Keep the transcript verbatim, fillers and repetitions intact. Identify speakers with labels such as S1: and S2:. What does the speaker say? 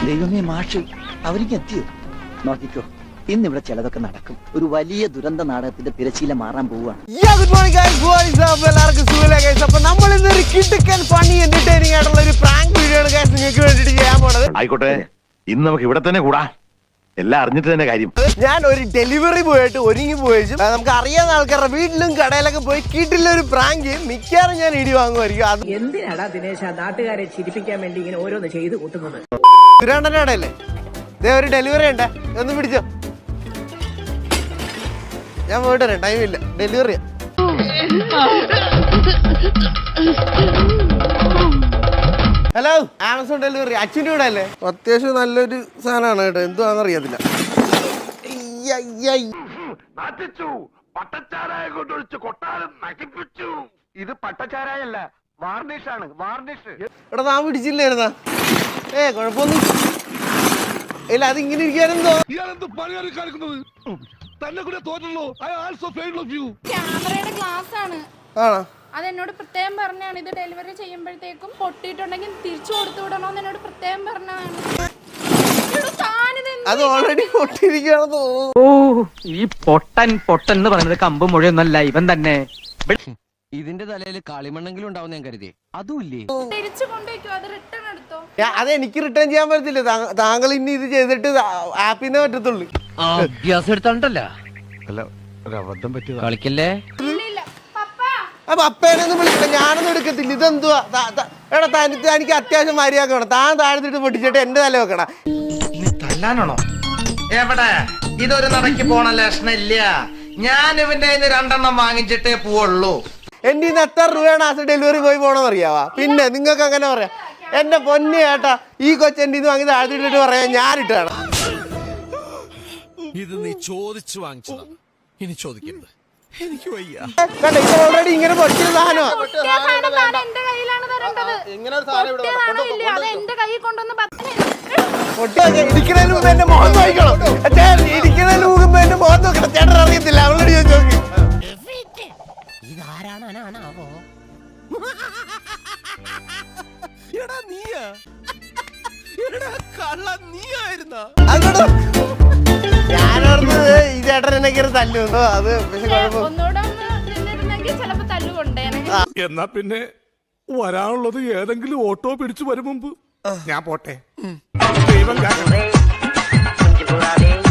S1: ദൈവമേ മാഷ് അവർക്ക് എത്തിയോ? നോക്കിക്കോ, ഇന്നിവിടെ ചിലതൊക്കെ നടക്കും. ഒരു വലിയ ദുരന്ത നാടകത്തിന്റെ തിരശീല മാറാൻ പോവുകയാണ്.
S2: നമ്മൾ ഇന്നൊരു കിടുക്കൻ ഫണ്ണി എന്റർടൈനിങ് ആയിട്ടുള്ള ഒരു പ്രാങ്ക് വീഡിയോ ആണ് ഗൈസ് നിങ്ങൾക്ക് വേണ്ടിട്ട് ചെയ്യാൻ പോണത്.
S3: ആയിക്കോട്ടെ, ഇന്ന് നമുക്ക് ഇവിടെ തന്നെ കൂടാ. എല്ലാം അറിഞ്ഞിട്ട് തന്നെ കാര്യം.
S2: ഞാൻ ഒരു ഡെലിവറി പോയിട്ട് ഒരുങ്ങി പോയിച്ചു നമുക്ക് അറിയാവുന്ന ആൾക്കാരുടെ വീട്ടിലും കടയിലൊക്കെ പോയി കിട്ടില്ല ഒരു പ്രാങ്ക് മിക്കവാറും ഞാൻ ഇടി വാങ്ങുമായിരിക്കും. അത്
S4: എന്തിനാടാ ദിനേശ നാട്ടുകാരെ ചിരിപ്പിക്കാൻ വേണ്ടി ഇങ്ങനെ ഓരോന്ന് ചെയ്ത് കൂട്ടുന്നത്?
S2: സുരേണ്ടന്റെ കടയല്ലേ? ഇതേ ഒരു ഡെലിവറി ഉണ്ട്, ഒന്ന് പിടിച്ചോ. ഞാൻ പോയിട്ട് വരാം, ടൈമില്ല, ഡെലിവറിയാ. Hello, Amazon delivery. അച്ഛൻ്റെ കൂടെ അല്ലേ? അത്യാവശ്യം നല്ലൊരു സാധനമാണ് കേട്ടോ, എന്തുവാന്ന് അറിയത്തില്ല.
S3: ഇത് പട്ടച്ചാരായല്ല, വാർണിഷാണ്, വാർണിഷ്.
S2: ഇവിടെ താൻ പിടിച്ചില്ലായിരുന്നാ? ഏ കുഴപ്പമൊന്നും ഇല്ല, അതിങ്ങനെ ഇരിക്കാനെന്തോ.
S5: ക്യാമറയുടെ ഗ്ലാസ് ആണ്.
S2: ആണോ?
S5: അതെന്നോട് പ്രത്യേകം പറഞ്ഞാണ്. ഇത് ഡെലിവറി ചെയ്യുമ്പോഴത്തേക്കും പൊട്ടിയിട്ടുണ്ടെങ്കിൽ തിരിച്ചു കൊടുത്തു വിടണോന്ന് എന്നോട് പ്രത്യേകം പറഞ്ഞതാണ്.
S2: അത് ഓൾറെഡി പൊട്ടിയിരിക്കുകയാണെന്ന് തോന്നുന്നു.
S6: ഓ, ഈ പൊട്ടൻ പൊട്ടൻ എന്ന് പറയുന്നത് കമ്പ് മുഴയൊന്നല്ല, ഇവൻ തന്നെ.
S7: ഇതിന്റെ തലയിൽ കളിമണ്ണെങ്കിലും ഉണ്ടാവും ഞാൻ കരുതി. അതുമില്ലേ?
S5: തിരിച്ചു കൊണ്ടുവയ്ക്കോ, അത് റിട്ടേൺ എടുത്തോ.
S2: അത് എനിക്ക് റിട്ടേൺ ചെയ്യാൻ പറ്റത്തില്ല. താങ്കൾ ഇനി ഇത് ചെയ്തിട്ട് ആപ്പിന്നേ പറ്റത്തുള്ളൂ.
S7: അഭ്യാസം എടുത്തോണ്ടല്ല കളിക്കല്ലേ.
S2: അപ്പൊ അപ്പേനൊന്നും വിളിക്കണ്ട, ഞാനൊന്നും എടുക്കത്തില്ല. ഇതെന്തുവാ? എടാ തനിക്ക് എനിക്ക് അത്യാവശ്യം മര്യാദ വേണം. താൻ താഴ്ത്തിട്ട് പൊട്ടിച്ചിട്ട് എന്റെ തല വെക്കണ.
S8: തല്ലാനാണോ? എവിടെ? ഇതൊരു നടക്ക് പോണ ലക്ഷണില്ല. ഞാൻ ഇവന്റെ രണ്ടെണ്ണം വാങ്ങിച്ചിട്ടേ പോവുള്ളൂ.
S2: എന്റെ ഇന്ന് എത്ര രൂപയാണ് ആ ഡെലിവറി പോയി പോണെന്ന് അറിയാവാ? പിന്നെ നിങ്ങൾക്ക് അങ്ങനെ പറയാം. എന്റെ പൊന്നു ചേട്ടാ, ഈ കൊച്ചെന്റെ ഇത് വാങ്ങി താഴ്ത്തിട്ടിട്ട് പറയാ ഞാനിട്ടാണ്.
S9: ഇത് നീ ചോദിച്ചു വാങ്ങിച്ചതാ, ഇനി ചോദിക്കരുത്. എനിക്ക് വയ്യ.
S2: കണ്ട, ഇത് ഓൾറെഡി ഇങ്ങനെ പൊട്ടിയ സാധനമാണ്. ഇരിക്കുന്നതിന് മുമ്പ് എന്റെ മുഖം നോക്കണം. ഇരിക്കുന്നതിന് മുമ്പ് എന്റെ മുഖം നോക്കണം. ചേട്ടൻ അറിയത്തില്ല, അവളോട് ചോദിച്ചു നോക്കി. ഞാനോർന്നത് ഈ ചേട്ടൻ എന്നെ കയറി തല്ലുണ്ടോ. അത് പക്ഷെ
S9: എന്നാ പിന്നെ വരാനുള്ളത് ഏതെങ്കിലും ഓട്ടോ പിടിച്ചു വരും മുമ്പ് ഞാൻ പോട്ടെ. ദൈവം